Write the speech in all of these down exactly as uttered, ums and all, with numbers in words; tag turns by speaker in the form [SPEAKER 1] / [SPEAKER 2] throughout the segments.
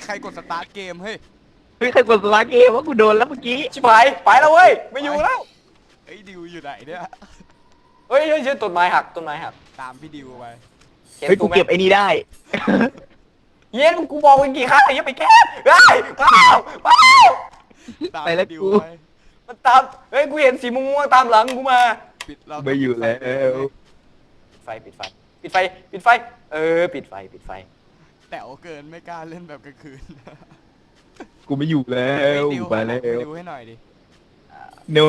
[SPEAKER 1] ใครกดสตาร์ทเกมเฮ้ย
[SPEAKER 2] เฮ้ยใครกดสตาร์ทเกมว่ากูโดนแล้วเมื่อกี้
[SPEAKER 3] ชิบหายไปแล้วเว้ยไม่อยู่แล้ว
[SPEAKER 1] ไอ้ดิวอยู่ไหนเนี่ย
[SPEAKER 3] เฮ้ยเฮ้ยต้นไม้หักต้นไม้หัก
[SPEAKER 1] ตามพี่ดิวไป
[SPEAKER 2] เฮ้ยกูเก็บไอ้นี่ได้
[SPEAKER 3] เย็นกูบอกไปกี่ครั้งอย่าไปแก้เฮ้ยเปล่าเปล่า
[SPEAKER 2] ไปแล้วกู
[SPEAKER 3] มันตามเฮ้ยกูเห็นสีม่วงๆตามหลังกูมา
[SPEAKER 1] ปิดเรา
[SPEAKER 2] ไม่อยู่แล้ว
[SPEAKER 3] ไฟปิดไฟปิดไฟปิดไฟเออปิดไฟปิดไฟ
[SPEAKER 1] แต่โอเกินไม่กล้าเล่นแบบกลางคืน
[SPEAKER 2] กูไม่อยู่แล้วไปแล้ว
[SPEAKER 1] ดิวให้หน่อยดิ
[SPEAKER 2] no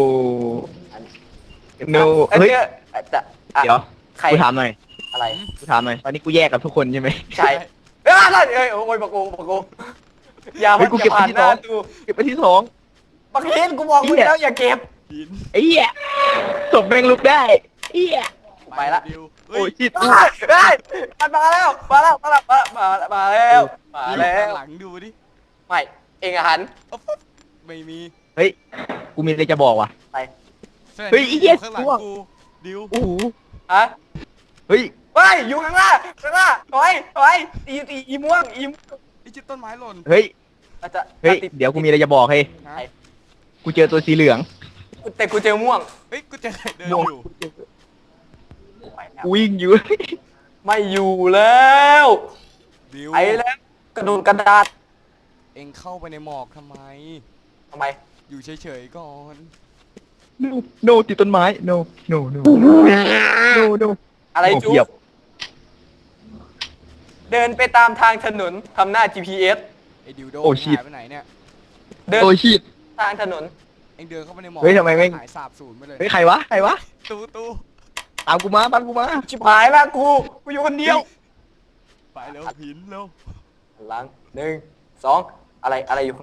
[SPEAKER 2] no เฮ้ยเดี๋ยวกูถามหน่อย
[SPEAKER 3] อะไร
[SPEAKER 2] กูถามหน่อยตอนนี้กูแยกกับทุกคนใช่ไหม
[SPEAKER 3] ใช่เอ้ยเอ้ยโอ้ยปะโกปะโกอย่า
[SPEAKER 2] กูเก็บไปที่สองเก็บไปที่สอง
[SPEAKER 3] ปะเคนกูบอกมึงแล้วอย่าเก็บ
[SPEAKER 2] ไอ้เหี้ยศพแม่งลุกได้เหี้ย
[SPEAKER 3] ไปละ
[SPEAKER 2] โอ้ยชิด
[SPEAKER 3] เฮ้ยมันมาแล้วมาแล้วมาแล้วมามาแล้วมาแล้ว
[SPEAKER 1] หลังดูดิ
[SPEAKER 3] ไม่เองอาหาร
[SPEAKER 1] ไม่มี
[SPEAKER 2] เฮ้ยกูมีอะไรจะบอกว่ะ
[SPEAKER 3] ไป
[SPEAKER 2] เฮ้ยไอ้เหี้ย
[SPEAKER 1] ข้างหลังกูดิว
[SPEAKER 2] โอ้โห
[SPEAKER 3] ฮะ
[SPEAKER 2] เฮ้ย
[SPEAKER 3] เฮ้ยอยู่ข้างล่างข้างล่างถอยถอยอีอีอีม่วงอี
[SPEAKER 1] ไอ้จิตต้นไม้หล่น
[SPEAKER 2] เฮ้ยเฮ้ยเดี๋ยวกูมีอะไรจะบอกเฮ้ยกูเจอตัวสีเหลือง
[SPEAKER 3] แต่กูเจอม่วง
[SPEAKER 1] เฮ้ยกูเจอเดินอยู่
[SPEAKER 2] วิ่งอยู่
[SPEAKER 3] ไม่อยู่แล้วไอ้แล้วกระโดดกระดาษ
[SPEAKER 1] เอ็งเข้าไปในหมอกทำไม
[SPEAKER 3] ทำไม
[SPEAKER 1] อยู่เฉยๆก่อน
[SPEAKER 2] no no ติดต้นไม้ no no no no no
[SPEAKER 3] อะไรจุ๊บเดินไปตามทางถนนทำหน้า จี พี เอส
[SPEAKER 1] ไอ้ดิวโดหายไปไหนเนี่ย
[SPEAKER 3] เดินทางถนน
[SPEAKER 1] เอ็งเดินเข้าไปในหมอก
[SPEAKER 2] เฮ้ยทำไมไม่
[SPEAKER 1] หายสาบสูญไปเลย
[SPEAKER 2] เฮ้ยใครวะใครวะ
[SPEAKER 1] ตูตู
[SPEAKER 2] ตามกูมาตามกูมา
[SPEAKER 3] ชิบหายละกูกูอยู่คนเดียว
[SPEAKER 1] ไปเร็วหินเร็ว
[SPEAKER 3] หลังหนึ่งสองอะไรอะไรอยู่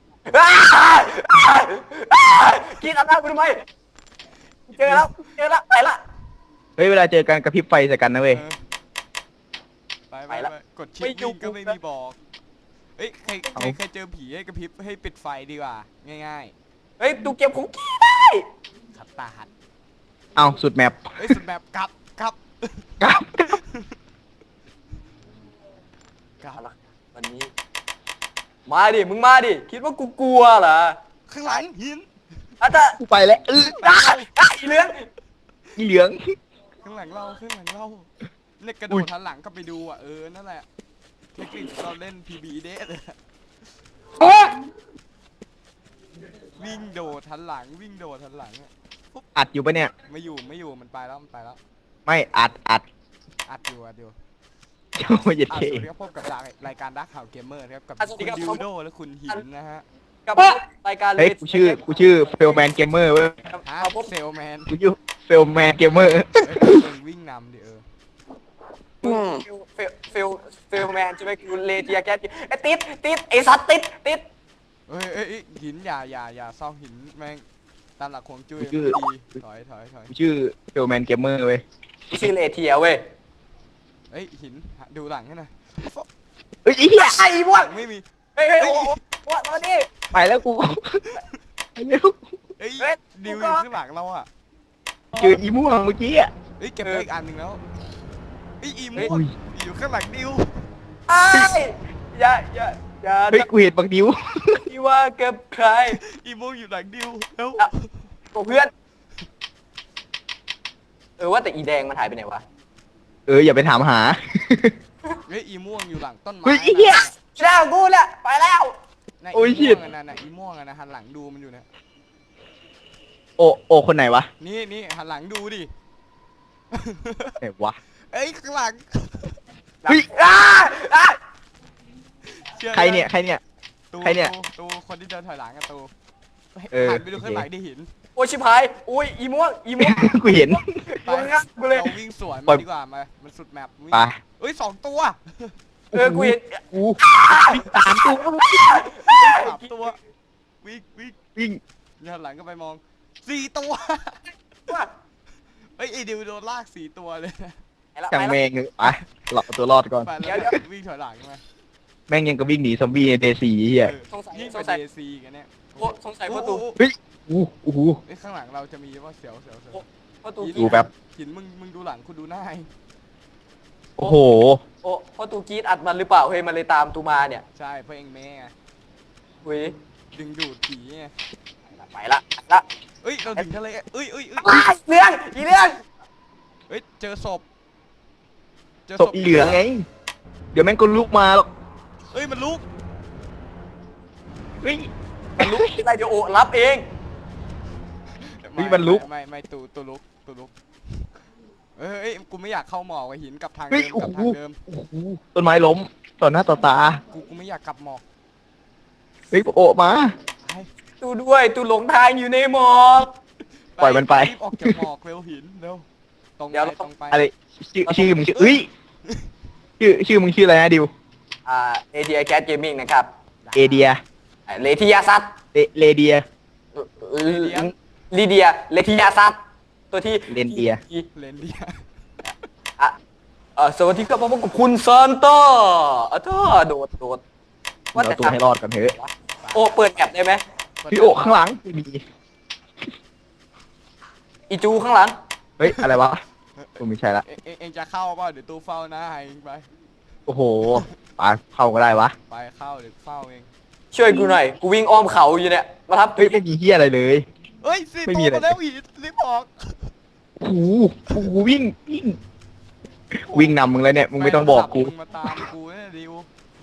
[SPEAKER 3] กินอะไรกูทำไมเจอแล้วเจอแล้วไปละ
[SPEAKER 2] เฮ้ยเวลาเจอกันกระพริบไฟใส่กันนะเว้ย
[SPEAKER 1] ไปไปแล้วกดชิปวิ่งก็ไม่มีบอกเฮ้ยใครใครใครเจอผีให้กระพริบให้ปิดไฟดีกว่าง่าย
[SPEAKER 3] ๆเฮ้ยตูเก็บของกี้ได้
[SPEAKER 1] ขับตาหัด
[SPEAKER 2] เอาสุดแมป
[SPEAKER 1] เฮ้ยสุดแมปกลับกลับ
[SPEAKER 2] กลับ
[SPEAKER 3] กลับวันนี้มาดิมึงมาดิคิดว่ากูกลัวเหรอ
[SPEAKER 1] ข้างหลังหิน
[SPEAKER 3] อาจจะ
[SPEAKER 2] กูไปแล้วเออ
[SPEAKER 3] อีเหลือง
[SPEAKER 2] อีเหลือง
[SPEAKER 1] ข้างหลังเราข้างหลังเราเล็กกระโดดทันหลังก็ไปดูอ่ะเออนั่นแหละเทคนิคเราเล่น พี บี เดสวิ่งโดดทันหลังวิ่งโดดทันหลัง
[SPEAKER 2] อัดอยู่ปะเนี่ย
[SPEAKER 1] ไม่อยู่ไม่อยู่มันไปแล้วมันไปแล้ว
[SPEAKER 2] ไม่อัดอัด
[SPEAKER 1] อัดอยู่อัดอยู่
[SPEAKER 2] โอ้ยเจ็ดเค
[SPEAKER 1] สวัสดีครับพบกับรายการดักข่าวเกมเมอร์ครับกับคุณดิวโดและคุณหินนะฮะ
[SPEAKER 3] กับรายการ
[SPEAKER 2] เฮ้ยกูชื่อกูชื่อเฟลแมนเกมเมอร์เว้ย
[SPEAKER 1] เซลแมน
[SPEAKER 2] กูชื่อเฟลแมนเกมเมอร์
[SPEAKER 1] วิ่งนำดิเออ
[SPEAKER 3] เฟลเฟลเฟลแมนจะไปกูเลเทียแกไอ้ติดติดไอ้สัตว์ติดติด
[SPEAKER 1] เฮ้ยเอ้ยหินอย่าอย่าอย่าซ่องหินแม่งตามหลักของจุ้ยดีถอยถอยถอย
[SPEAKER 2] กูชื่อเฟลแมนเกมเมอร์เว้ย
[SPEAKER 3] กูชื่อเลเทียเว้ย
[SPEAKER 1] เฮ้ยหินดูหลังให้หน่อย
[SPEAKER 2] เฮ้ยไอ้เหี้ย
[SPEAKER 3] ไอ้พวก
[SPEAKER 1] ไม่มี
[SPEAKER 3] เฮ้ยเฮ้ยโอ้โหมาดิ
[SPEAKER 2] ไปแล้วกูไปเร็ว
[SPEAKER 1] เฮ้ยดิวอยู่ข้างหลังเราอ่ะ
[SPEAKER 2] เจออีม่วงเมื่อกี้อ่ะ
[SPEAKER 1] เฮ้ยเก็บไปอีกอันหนึ่งแล้วเฮ้ยอีม่วงอยู่ข้างหลังดิว
[SPEAKER 3] ไอ้อย่าอย่าอย่า
[SPEAKER 2] เฮ้ยกูเห็นบางดิว
[SPEAKER 3] ที่ว่าเก็บใคร
[SPEAKER 1] อีม่วงอยู่หลังดิวแล้ว
[SPEAKER 3] กับเพื่อนเออว่าแต่อีแดงมันหายไปไหนวะ
[SPEAKER 2] เอออย่าไปถามหา
[SPEAKER 1] เฮ้ยอีม่วงอยู่หลังต้นไม้
[SPEAKER 2] เฮ้ยไอ้เหี้ย
[SPEAKER 3] หน้ากูเนี่ยไปแล้ว
[SPEAKER 2] โอ้ยชิด
[SPEAKER 1] นั่นน่ะอีม่วงนะหันหลังดูมันอยู่เนี่ย
[SPEAKER 2] โอโอคนไหนวะ
[SPEAKER 1] นี่นี่หันหลังดูดิ
[SPEAKER 2] ไหนวะ
[SPEAKER 1] เอ้ยข้างหลัง
[SPEAKER 2] เฮ้ยใครเนี่ยใครเนี่ยใครเนี่ย
[SPEAKER 1] ตูคนที่เดินถอยหลังกันตูหันไปดูข้างหลังได้เห็น
[SPEAKER 3] โอ้ยชิบหายโอ้ยอีม่วงอีม่วง
[SPEAKER 2] กูเห็น
[SPEAKER 1] ไปเราวิ่งสวนมาดีกว่ามามันสุดแมปวิ่งเอ้ยสองตัว
[SPEAKER 3] เออกูเห็น
[SPEAKER 2] กูสามตัว
[SPEAKER 1] สามตัววิ่งวิ่ง
[SPEAKER 2] วิ่ง
[SPEAKER 1] หันหลังก็ไปมองสี่ตัวเฮ้ยไอเดียวโดนลากสี่ตัวเลย
[SPEAKER 2] จังแมงไปหลอกตัวรอดก่อน
[SPEAKER 1] เดี๋ยววิ่งถอยหลังไหม
[SPEAKER 2] แม่งยังก็วิ่งหนีซอมบี้ในเดซีเฮีย
[SPEAKER 3] สงสัย
[SPEAKER 1] ยิ่งไปเดซีกันเนี่ย
[SPEAKER 3] โอ้สงสัยประตู
[SPEAKER 2] เฮ้ยอู้อู้หู
[SPEAKER 1] ข้างหลังเราจะมีว่าเสียวเสียวเสียว
[SPEAKER 2] ดูแบบ
[SPEAKER 1] หินมึงมึงดูหลังคุณดูหน้า
[SPEAKER 3] โ
[SPEAKER 2] โอ้โห
[SPEAKER 3] โอ้เพราะตูกรีดอัดมันหรือเปล่าเฮ้ยมันเลยตามตูมาเนี่ย
[SPEAKER 1] ใช่เพราะเองแม่ไง
[SPEAKER 3] เฮ้ย
[SPEAKER 1] ดึงดูดผีไง
[SPEAKER 3] ไปละไปละ
[SPEAKER 1] เอ้ยเราถึงทะเลเอ้ยเอ้ยเอ้ย
[SPEAKER 3] อ้าวเรื่องอีเรื่อง
[SPEAKER 1] เอ้ยเจอศพเจอ
[SPEAKER 2] ศพอีเหลืองไง เดี๋ยวแม่งก็ลุกมาหรอก
[SPEAKER 1] เอ้ยมันลุก
[SPEAKER 2] เฮ้ย
[SPEAKER 3] มันลุกไม่ได้เดี๋ยวโอรับเอง
[SPEAKER 2] เฮ้ยมันลุก
[SPEAKER 1] ไม่ไม่ไม่ตูตูลุกตูลุกเอ้ยเอ้ยกูไม่อยากเข้าหมอกกับหินกลับทาง
[SPEAKER 2] เฮ้ย
[SPEAKER 1] เดิม
[SPEAKER 2] โอ้
[SPEAKER 1] กลับ
[SPEAKER 2] โห
[SPEAKER 1] ทางเดิม
[SPEAKER 2] โอ้โหต้นไม้ล้มต่อหน้าต่อตา
[SPEAKER 1] กูกูไม่อยากกลับหมอก
[SPEAKER 2] เฮ้ยโอะมา
[SPEAKER 1] ไป
[SPEAKER 3] ตูด้วยตูหลงทางอยู่ในหมอก
[SPEAKER 2] ปล่อยมันไป
[SPEAKER 1] รีบออกจากหมอกเร็วหินเร็วตรง
[SPEAKER 3] เดี๋ยว
[SPEAKER 1] ไป
[SPEAKER 3] เรา
[SPEAKER 1] ตรงไป
[SPEAKER 2] อะไรชื่อชื่อมึงชื่อเอ้ยชื่อชื่อมึงชื่ออะไรนะดิว
[SPEAKER 3] อ่าเอทีไอแคสเกมมิ่งนะครับ
[SPEAKER 2] เอเดีย
[SPEAKER 3] เลทิยาซัต
[SPEAKER 2] เลเลเดีย
[SPEAKER 3] ลีเดียเลทิยาซัตตัวที่
[SPEAKER 2] เลนเดีย
[SPEAKER 1] เลนเดีย
[SPEAKER 3] อ่ะเออสวัสดีครับพบกับคุณซานต้าอ่ะเธอโดดโดด
[SPEAKER 2] เอาตัวให้รอดกันเถอะ
[SPEAKER 3] โอ้เปิดแอปได้ไหม
[SPEAKER 2] พี่โอะข้างหลังไม่มี
[SPEAKER 3] อีจูข้างหลัง
[SPEAKER 2] เฮ้ยอะไรวะกูไม่ใช่ละ
[SPEAKER 1] เอ็งเอ็งเอ็งจะเข้าเปล่าเดี๋ยวตูเฝ้านะให้เองไป
[SPEAKER 2] โอ้โหปาเข้าก็ได้วะ
[SPEAKER 1] ไปเข้าเดี๋ยวเฝ้าเอง
[SPEAKER 3] ช่วยกูหน่อยกูวิ่งอ้อมเขาอยู่เนี่ยมาทับ
[SPEAKER 2] เฮ้ยไม่มีเฮียอะไรเลย
[SPEAKER 1] เอ้ยสี่
[SPEAKER 2] ไม่
[SPEAKER 1] ตั
[SPEAKER 2] มี
[SPEAKER 1] ว
[SPEAKER 2] อะไร
[SPEAKER 1] มาแล้วหินรีบออก
[SPEAKER 2] โอ้โหโอ้โหวิ่งวิ่งวิ่งนำมึงเลยเนี่ยมึงไม่ต้องบอกกู
[SPEAKER 1] แฟนคลัมึงมาตามกูเนี่ยดิว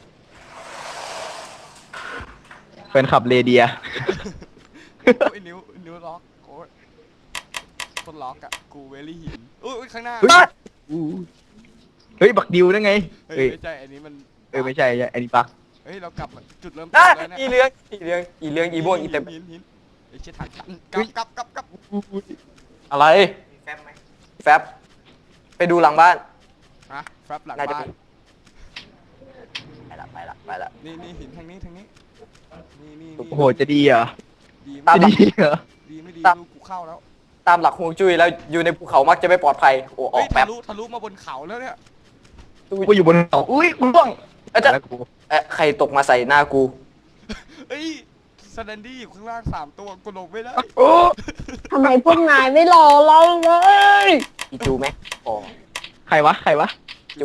[SPEAKER 2] เป็นขับเรเดีย
[SPEAKER 1] โอ้ยนิ้วนิ้วล็อกโอ้ยคนล็อกอะกูเวลี่หินอุ้ยข้างหน้า
[SPEAKER 2] เฮ้ยอู้เฮ้ยบักดิวนั่นไง
[SPEAKER 1] เฮ้ย
[SPEAKER 2] เฮ้ย
[SPEAKER 1] ไม่ใช่อันนี้มัน
[SPEAKER 2] เออไม่ใช่อันนี้ปัก
[SPEAKER 1] เฮ้ยเรากลับมาจุดเริ่มต้
[SPEAKER 3] อ่ะ
[SPEAKER 1] นแล้วเนี่ย
[SPEAKER 3] อีเลี้ยงอีเลี้ยงอีเลี้ยงอีบ้วนอีเต็ม
[SPEAKER 1] หินหินไอ้เชี่ยถังตันกลับกลับกลับกลับ
[SPEAKER 3] อะไรแฟบไหมแฟบไปดูหลังบ้าน
[SPEAKER 1] อะแฟบหลัง
[SPEAKER 3] น่าจะ
[SPEAKER 1] บ้าน
[SPEAKER 3] ไปละไปละไปละ
[SPEAKER 1] นี่นี่หินทางนี้ทางนี้นี่นี่
[SPEAKER 2] โอ้โหจะดีเหรอ
[SPEAKER 1] ดี
[SPEAKER 3] ตา
[SPEAKER 1] ไม่
[SPEAKER 3] ม
[SPEAKER 2] จะดีเหรอ
[SPEAKER 1] ดีไม่ดี
[SPEAKER 3] ตาม
[SPEAKER 1] ลูกกูเข้าแล้ว
[SPEAKER 3] ตามหลักฮวงจุ้ยแล้วอยู่ในภูเขามักจะไม่ปลอดภัยโอ้อ
[SPEAKER 1] เฮ้
[SPEAKER 3] อย กแป๊
[SPEAKER 1] ทะ
[SPEAKER 3] บ
[SPEAKER 1] ลุทะลุมาบนเขาแล้วเนี่ย
[SPEAKER 2] กูอยู่บนเขาอุ้ยกูร่วง
[SPEAKER 3] เอ้ยจะ
[SPEAKER 2] แล้วกู
[SPEAKER 3] เอ๊ะใครตกมาใส่หน้ากู
[SPEAKER 1] เฮ้ยสแตนดี้อยู่ข้างล่างสามตัวกูลงไม่ได้
[SPEAKER 2] โอ้
[SPEAKER 4] ทำไมพวกนายไม่รอเราเลย
[SPEAKER 3] อีจูไหมอ๋อ
[SPEAKER 2] ใครวะใครวะ
[SPEAKER 3] จู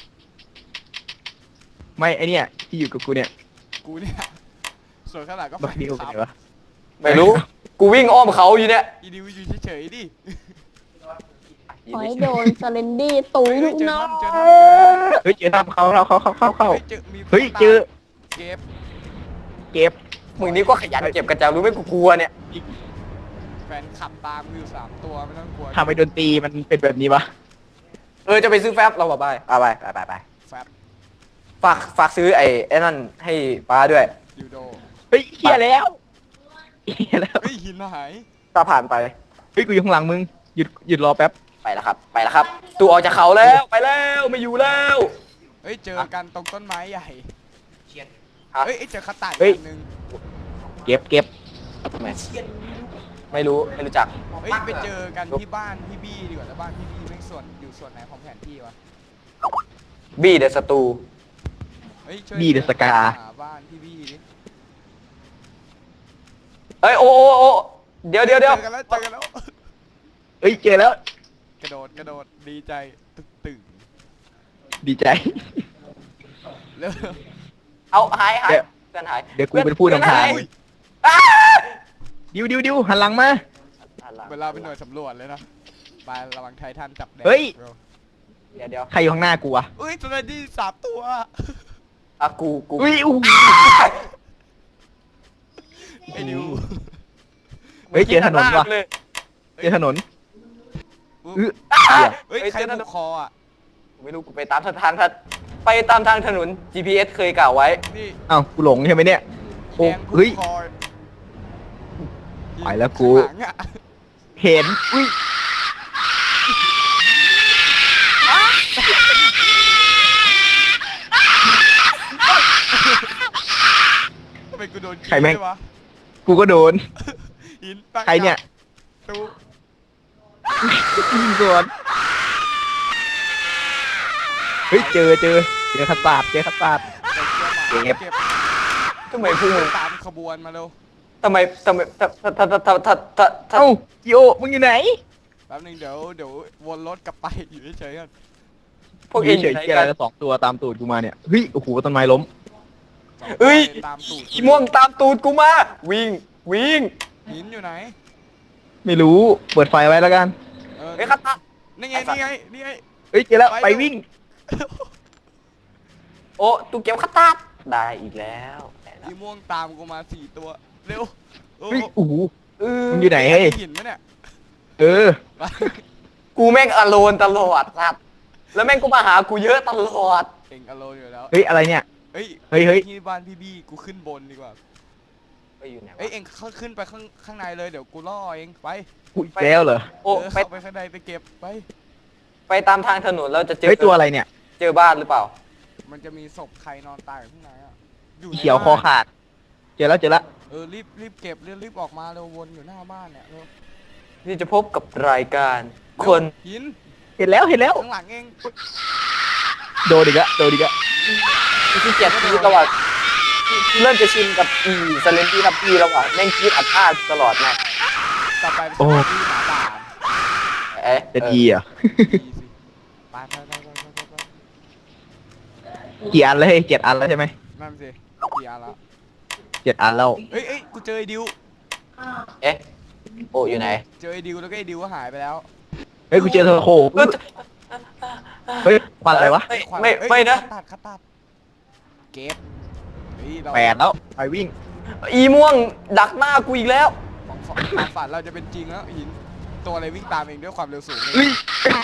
[SPEAKER 2] ไม่ไอเนี่ยที่อยู่กับกูเนี่ย
[SPEAKER 1] กูเนี่ยส่วนข้างหลังก็
[SPEAKER 2] บักดิว
[SPEAKER 1] ค
[SPEAKER 2] เป็น
[SPEAKER 1] รับ
[SPEAKER 2] ไงวะ
[SPEAKER 3] ไม่รู้ กูวิ่งอ้อมเขาอยู่เนี่ย
[SPEAKER 1] อีดิวอยู่เฉยๆดิ
[SPEAKER 4] ขอให้โดนสเลนดี้ตุ้ย
[SPEAKER 1] เฮ้ยเจอ
[SPEAKER 4] น้อ
[SPEAKER 1] ท่อนเจอท่อน
[SPEAKER 2] เฮ้ยเจอทำเขาเขาเขาเขาเขาเขา
[SPEAKER 1] เฮ้ยเจอมี
[SPEAKER 2] เฮ้ยเจอ
[SPEAKER 1] เก็บ
[SPEAKER 2] เก็บ
[SPEAKER 3] มึงนี่ก็ขยันเก็บกระจารู้ไหมกูกลัวเนี่ย
[SPEAKER 1] แฟนขับตามกูอยู่สามตัวไม่ต้องกลัว
[SPEAKER 2] ทำไมดนตรีมันเป็นแบบนี้วะ
[SPEAKER 3] เออจะไปซื้อแฟบเราบอกไปเอาไปไปไปไป
[SPEAKER 1] แฟบ
[SPEAKER 3] ฝากฝากซื้อไอ้ไอ้นั่นให้ป้าด้วย
[SPEAKER 1] ยูโด
[SPEAKER 2] เฮ้ยเฮียแล้วเฮียแล้ว
[SPEAKER 1] เฮ้ยหินหาย
[SPEAKER 3] ถ้าผ่านไป
[SPEAKER 2] เฮ้ยกูอยู่ข้างหลังมึงหยุดหยุดรอแป๊บ
[SPEAKER 3] ไปแล้วครับ ไปแล้วครับ ตูออกจากเขาแล้วไปแล้วไม่อยู่แล้ว
[SPEAKER 1] เฮ้ยเจอกันตรงต้นไม้ใหญ่
[SPEAKER 3] ฮะ
[SPEAKER 1] เฮ้ยเจอคาตาอีก
[SPEAKER 2] เฮ้ย
[SPEAKER 1] อันหนึง
[SPEAKER 2] เก็บเก็บ
[SPEAKER 3] ไม่ไม่รู้ไม่รู้จัก
[SPEAKER 1] เฮ้ยไปเจอกันที่บ้านพี่บี้ดีกว่าแล้วบ้านพี่บี้เป็นส่วนอยู่ส่วนไหนของแผนที่วะ
[SPEAKER 3] บี้เดอะสตู
[SPEAKER 1] เฮ้ยช่วย
[SPEAKER 2] บี้เดอะสกา
[SPEAKER 1] หาบ้านพี่บี้ดิ
[SPEAKER 3] เอ้ยโอ้โอ้โอ้เดี๋ยวเดี๋ยว
[SPEAKER 1] เจ
[SPEAKER 3] เดี๋ยว
[SPEAKER 1] อกันแล้วเจอกันแล้ว
[SPEAKER 2] เฮ้ยเจอแล้ว
[SPEAKER 1] กระโดดกระโดดดีใจตึกตึง
[SPEAKER 2] ดีใจ
[SPEAKER 1] เร็ว
[SPEAKER 3] เอาหายหาย
[SPEAKER 2] เดี๋ยว
[SPEAKER 3] เพื่อนหาย
[SPEAKER 2] เดี๋ยวกูเป็นผู้นำทาง
[SPEAKER 3] เพื่อนหยอ้า
[SPEAKER 2] ดิวดิวดิวหันหลังมา
[SPEAKER 1] เวลาเป็นหน่วยสำรวจเลยนะไประวังไททันจับแดง
[SPEAKER 2] เฮ้ย
[SPEAKER 1] ร็ว
[SPEAKER 3] เดี๋ยวเดี๋ยว
[SPEAKER 2] ใครอยู่ข้างหน้ากูวะ
[SPEAKER 1] เอ้ยตัวนี้สามตัว
[SPEAKER 3] อ่ะกูกู
[SPEAKER 2] อุ้ยอู้หู
[SPEAKER 1] ไอ้นิว
[SPEAKER 2] เฮ้ยเจอถนนว่ะ
[SPEAKER 3] เลย
[SPEAKER 2] เจอถนน
[SPEAKER 1] อุ๊ย
[SPEAKER 2] อื้อ
[SPEAKER 3] อ่ะ
[SPEAKER 2] เหี้ย
[SPEAKER 1] เฮ้ย
[SPEAKER 3] เฮ้ย
[SPEAKER 1] ใคร
[SPEAKER 3] เจอถน
[SPEAKER 1] ผู
[SPEAKER 3] น
[SPEAKER 1] กคออ่ะ
[SPEAKER 3] ไม่รู้กูไปตามทางทางไปตามทางถนน จี พี เอส เคยกล่าวไว้
[SPEAKER 1] นี่
[SPEAKER 2] อ้าวกูหลงใช่ไหมเนี่ยโอ้
[SPEAKER 1] แดงผูก
[SPEAKER 2] เฮ้ย
[SPEAKER 1] คอ
[SPEAKER 2] ไปแล้วกู
[SPEAKER 1] ข้างหลังอะ
[SPEAKER 2] เห็นอุ้ย
[SPEAKER 1] ทำไมกูโดนกิน
[SPEAKER 2] ใครแม่ง
[SPEAKER 1] ด้วยวะ
[SPEAKER 2] กูก็โดน
[SPEAKER 1] หินปัก
[SPEAKER 2] ใครเนี่ย
[SPEAKER 1] ตู
[SPEAKER 2] ยิงสวนเฮ้ยเจอเจอเจอขัดสาดเจอขัดสาด
[SPEAKER 1] เก็บ
[SPEAKER 2] เก็บ
[SPEAKER 1] เก็บ
[SPEAKER 3] ทำไมพวกมึง
[SPEAKER 1] ตามขบวนมาเร็ว
[SPEAKER 3] ทำไมทำไมทำทำทำทำทำทำ
[SPEAKER 2] เอ้าจิโอมึงอยู่ไหน
[SPEAKER 1] แป๊บนึงเดี๋ยวเดี๋ยววนรถกลับไปอยู่เฉยๆก่อน
[SPEAKER 3] พวก
[SPEAKER 2] เฉ
[SPEAKER 3] เอง
[SPEAKER 2] ย
[SPEAKER 3] อยู่
[SPEAKER 2] ๆ
[SPEAKER 3] ไหน
[SPEAKER 2] เกียร์
[SPEAKER 3] กั
[SPEAKER 2] อะไร
[SPEAKER 3] น
[SPEAKER 2] ละสองตัวตามตูดกูมาเนี่ยเฮ้ยโอ้โหต้นไม้ล้ม
[SPEAKER 1] สอง
[SPEAKER 3] เอ้ย
[SPEAKER 1] ตามตูด
[SPEAKER 3] อีม่วงตามตูดกูมา วิ่งวิ่ง
[SPEAKER 1] หินอยู่ไหน
[SPEAKER 2] ไม่รู้เปิดไฟไว้แล้วกัน
[SPEAKER 1] เออ
[SPEAKER 3] เฮ้ยคาตา
[SPEAKER 1] นี่ไงนี่ไงนี่ไง
[SPEAKER 2] เฮ้ยเจอแล้ว
[SPEAKER 1] ไป
[SPEAKER 2] ไป
[SPEAKER 1] เร็ว
[SPEAKER 2] วิ่ง
[SPEAKER 3] โอ้ตูเก็บคาตาได้อีกแล้วได้แล้ว
[SPEAKER 1] อีม่วงตามกูมาสี่ตัวเร็วโอ้
[SPEAKER 2] เฮ้ยโอ้โห
[SPEAKER 3] เออ
[SPEAKER 2] มึงอยู่ไหนเฮ้ย
[SPEAKER 1] หินไหมเนี่ย
[SPEAKER 2] เออ
[SPEAKER 1] ไป
[SPEAKER 3] กูแม่งอโลนตลอดสัตว์แล้วแม่งก็มาหากูเยอะตลอด
[SPEAKER 1] เองอโลอยู่แล้ว
[SPEAKER 2] เฮ้ยอะไรเนี่ย
[SPEAKER 1] เฮ้ย
[SPEAKER 2] เฮ้ยเฮ้ย
[SPEAKER 1] ที่บ้านพี่บี้กูขึ้นบนดีกว่า
[SPEAKER 3] ไปอยู่ไหนวะ
[SPEAKER 1] เอ้ยเองเข้าขึ้นไปข้างข้างในเลยเดี๋ยวกูล่อเองไป
[SPEAKER 2] อุ้ยแล้วเหรอ
[SPEAKER 3] โอ้
[SPEAKER 1] เออ
[SPEAKER 3] ไป
[SPEAKER 1] เข้าไปข้างในไปเก็บไป
[SPEAKER 3] ไปตามทางถนนเราจะเจอ
[SPEAKER 2] เฮ้ยตัวอะไรเนี่ย
[SPEAKER 3] เจอบ้านหรือเปล่า
[SPEAKER 1] มันจะมีศพใครนอนตายอยู่ข้างในอ่ะอยู่ใน
[SPEAKER 2] เขียวคอ
[SPEAKER 1] บ้าน
[SPEAKER 2] ขาด เจอแล้วเจอแล้ว
[SPEAKER 1] เออรีบรีบเก็บเร็วรีบออกมาเร็ววนอยู่หน้าบ้านเนี่ยเร็ว
[SPEAKER 3] ที่จะพบกับรายการคน
[SPEAKER 1] เร็วหิน
[SPEAKER 2] เห็นแล้วเห็นแล้ว
[SPEAKER 1] ข้างหลังเอง
[SPEAKER 2] โดนอีกแล้วโดนอีกแล้ว
[SPEAKER 3] ที่เกียจที่ตลอดเริ่มจะชินกับอีสเลนตี้ทับพี่แล้วอ่ะแม่งคิดอัดพลาดตลอดนะ
[SPEAKER 1] ต่อไปเป็นที่หมาป่า
[SPEAKER 3] เอ๊ะ
[SPEAKER 2] จะดีอ่ะ
[SPEAKER 1] ดีสิไปไปไปไปไปไป
[SPEAKER 2] กี่อันแล้วเฮ้ยเจ็ดอันแล้วใช่ไหม
[SPEAKER 1] นั่นสิกี่อันแล้ว
[SPEAKER 2] เจ็ดอันแล้ว
[SPEAKER 1] เอ้ยเอ้ยกูเจอไอ้ดิว
[SPEAKER 3] เอ๊ะโอ้อยู่ไหน
[SPEAKER 1] เจอไอ้ดิวแล้วก็ไอ้ดิวก็หายไปแล้ว
[SPEAKER 2] เฮ้ยกูเจอเทอร์โคเฮ้ยควันอะไรวะ
[SPEAKER 3] ไม่
[SPEAKER 1] ขวาน
[SPEAKER 3] ไม่
[SPEAKER 1] เอ้ย
[SPEAKER 3] ไม่นะ
[SPEAKER 1] คัดตัดคัดตัดเก็บเฮ้ยเรา
[SPEAKER 2] แปดแล้วไปวิ่ง
[SPEAKER 3] อีม่วงดักหน้ากูอีกแล้ว
[SPEAKER 1] ของฝันความฝันเราจะเป็นจริงแล้วหินตัวอะไรวิ่งตามเองด้วยความเร็วสูงเลย
[SPEAKER 2] เฮ้ย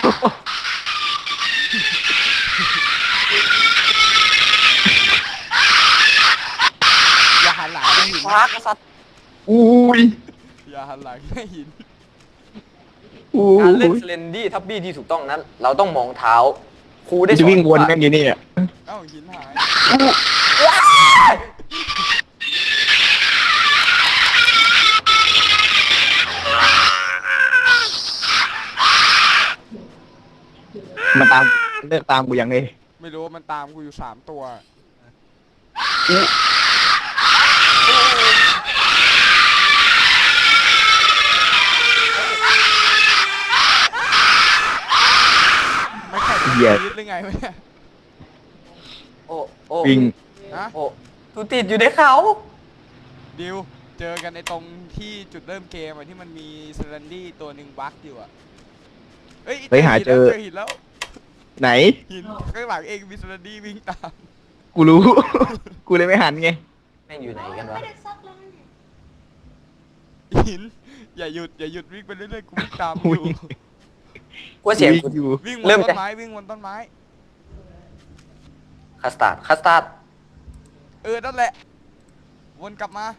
[SPEAKER 1] อย่าหันหลังให้หิน
[SPEAKER 3] คว้ากษัตริย์
[SPEAKER 2] อุ้ย
[SPEAKER 1] อย่าหันหลังให้หิน
[SPEAKER 2] อุ้
[SPEAKER 3] การเล่น
[SPEAKER 2] ย
[SPEAKER 3] สเลนดี้ทับบี้ที่ถูกต้องนั้น เราต้องมองเท้าครูได้
[SPEAKER 2] จะวิ่งวน
[SPEAKER 3] ว่า
[SPEAKER 2] กันอยู่นี่อ่ะ
[SPEAKER 1] เอ้าหินหาย
[SPEAKER 2] มันตามเลิกตามกูยังไง
[SPEAKER 1] ไม่รู้ว่ามันตามกูอยู่สามตัวไม่แข่งกันชีวิตหรือไงวะเนี่ย
[SPEAKER 3] โอ้โอ้
[SPEAKER 2] วิ่ง
[SPEAKER 1] ฮะ
[SPEAKER 3] โอ้ตูติดอยู่ในเขา
[SPEAKER 1] ดิวเจอกันในตรงที่จุดเริ่มเกมอะที่มันมีเซรันดี้ตัวหนึ่งบั๊กอยู่อะเฮ้ย
[SPEAKER 2] เฮ้ยหาเจอ
[SPEAKER 1] เจอหินแล้ว
[SPEAKER 2] ไหน
[SPEAKER 1] หินข้างหลังเองมีเซรันดี้วิ่งตาม
[SPEAKER 2] กูรู้ กูเลยไม่หันไง
[SPEAKER 3] แม่งอยู่ไหนกันวะ
[SPEAKER 1] หินอย่าหยุดอย่าหยุดวิ่งไปเรื่อยๆกูวิ่งตามอยู่
[SPEAKER 2] วิ่ง
[SPEAKER 3] กูว่าเสียง
[SPEAKER 2] วิ่
[SPEAKER 3] กู
[SPEAKER 2] งอยู่
[SPEAKER 1] วิ่งบ
[SPEAKER 3] เริ่
[SPEAKER 1] น
[SPEAKER 3] ม
[SPEAKER 1] ต้
[SPEAKER 3] จะ
[SPEAKER 1] นไม้วิ่งบนต้นไม้
[SPEAKER 3] คัสตาร์ดคัสตาร์ด
[SPEAKER 1] เออนั่นแหละวนกลับมา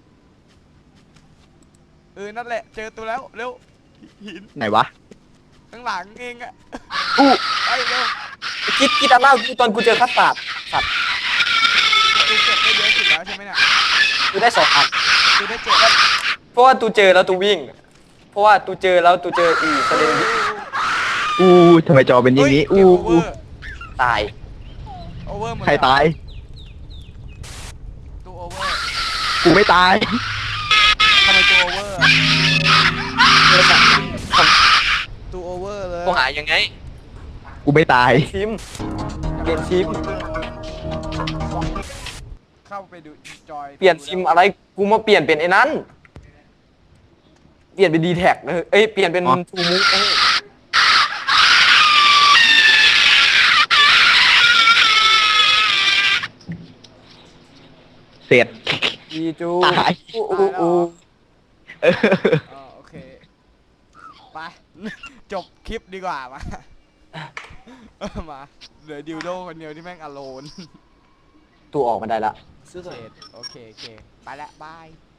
[SPEAKER 1] เออนั่นแหละเจอตัวแล้วเร็วหิน
[SPEAKER 2] ไหนวะ
[SPEAKER 1] ข้างหลังเองอะ
[SPEAKER 3] อู้
[SPEAKER 1] ไปเร็ว
[SPEAKER 3] คิดคิดอันหน้ากูตอนกูเจอคัสตาร์ดสัตว์
[SPEAKER 1] ตูเก็บได้เยอะสุดแล้วใช่ไหมเนี่ย
[SPEAKER 3] กูได้สองอัน
[SPEAKER 1] ตูได้เจ็ดแล้ว
[SPEAKER 3] เพราะว่าตูเจอแล้วตูวิ่ง เพราะว่าตูเจอแล้วตูเจออีสเลนดี้
[SPEAKER 2] อู้ทำไมจอเป็นอย่างนี้
[SPEAKER 1] เฮ้
[SPEAKER 2] อู้
[SPEAKER 1] เกมโอเวอร์
[SPEAKER 3] ตาย
[SPEAKER 1] โอเวอร์หมด
[SPEAKER 2] ใคร
[SPEAKER 1] เลยเหอ
[SPEAKER 2] ตาย
[SPEAKER 1] ตูโอเวอร์
[SPEAKER 2] กูไม่ตาย
[SPEAKER 1] ทำไมตูโอเวอร์อะ
[SPEAKER 3] เจอสัตว์
[SPEAKER 1] ตูโอเวอร์เลย
[SPEAKER 3] กูหายังไง
[SPEAKER 2] กูไม่ตาย
[SPEAKER 3] ทีมเปลี่ยนทีม
[SPEAKER 1] เข้าไปดูจอย
[SPEAKER 3] เปลี่ยนทีมอะไร กูมาเปลี่ยนเป็นไอ้นั้น เปลี่ยนเป็นดีแท็กนะเอ้ย เปลี่ยนเป็น
[SPEAKER 2] อ๋อ
[SPEAKER 3] ทูมูฟเอ้ย
[SPEAKER 2] เสร็จ
[SPEAKER 3] ดีจู
[SPEAKER 2] ตาย
[SPEAKER 3] อู้อู้อู้
[SPEAKER 2] เออ
[SPEAKER 1] อ๋อโอเคไป จบคลิปดีกว่ามาเออมาเหลือดิวโดคนเดียวที่แม่งอโลน
[SPEAKER 3] ตูออกมาได้ละ
[SPEAKER 1] โอเคโอเคโอเคไปละบาย